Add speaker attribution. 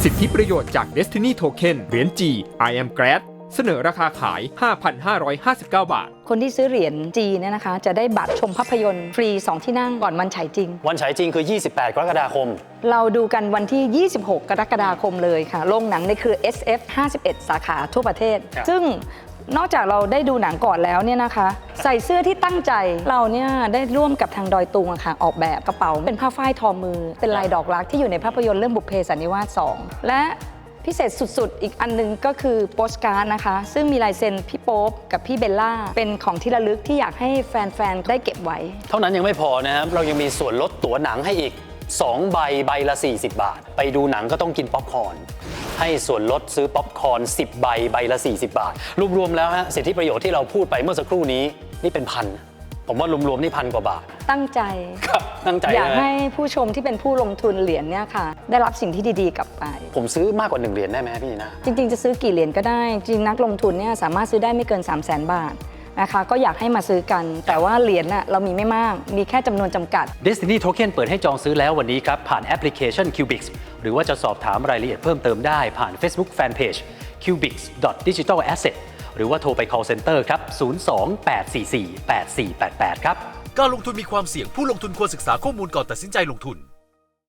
Speaker 1: สิทธิประโยชน์จาก Destiny Token เหรียญ G I am Glad เสนอราคาขาย 5,559 บาท
Speaker 2: คนที่ซื้อเหรียญจีเนี่ยนะคะจะได้บัตรชมภาพยนตร์ฟรี 2 ที่นั่งก่อนวันฉายจริง
Speaker 3: วันฉายจริงคือ 28 กรกฎาคม
Speaker 2: เราดูกันวันที่ 26 กรกฎาคมเลยค่ะโรงหนังในเครือ SF 51 สาขาทั่วประเทศ ซึ่งนอกจากเราได้ดูหนังก่อนแล้วเนี่ยนะคะใส่เสื้อที่ตั้งใจเราเนี่ยได้ร่วมกับทางดอยตุงค่ะออกแบบกระเป๋าเป็นผ้าฝ้ายทอมือเป็นลายดอกรักที่อยู่ในภาพยนตร์เรื่องบุพเพสันนิวาส 2และพิเศษสุดๆอีกอันนึงก็คือโปสการ์ดนะคะซึ่งมีลายเซ็นพี่โป๊ปกับพี่เบลล่าเป็นของที่ระลึกที่อยากให้แฟนๆได้เก็บไว้
Speaker 3: เท่านั้นยังไม่พอนะครับเรายังมีส่วนลดตั๋วหนังให้อีก2 ใบใบละ40 บาทไปดูหนังก็ต้องกินป๊อปคอร์นให้ส่วนลดซื้อป๊อปคอร์น10 ใบใบละ40 บาทรวมๆแล้วฮะสิทธิประโยชน์ที่เราพูดไปเมื่อสักครู่นี้นี่เป็นพันผมว่ารวมๆนี่1,000 กว่าบาท
Speaker 2: ตั้งใจ
Speaker 3: ครับตั้งใจ
Speaker 2: อยากให้ผู้ชมที่เป็นผู้ลงทุนเหรียญเนี่ยค่ะได้รับสิ่งที่ดีๆกลับไป
Speaker 3: ผมซื้อมากกว่า1 เหรียญได้ไหมพี่นะ
Speaker 2: จริงๆจะซื้อกี่เหรียญก็ได้จริงนักลงทุนเนี่ยสามารถซื้อได้ไม่เกิน 300,000 บาทนะคะก็อยากให้มาซื้อกันแต่ว่าเหรียญน่ะเรามีไม่มากมีแค่จำนวนจำกัด
Speaker 4: Destiny Token เปิดให้จองซื้อแล้ววันนี้ครับผ่านแอปพลิเคชัน Cubix หรือว่าจะสอบถามรายละเอียดเพิ่มเติมได้ผ่าน Facebook Fanpage cubix.digitalasset หรือว่าโทรไป call center ครับ02-844-8488ครับ
Speaker 5: การลงทุนมีความเสี่ยงผู้ลงทุนควรศึกษาข้อมูลก่อนตัดสินใจลงทุน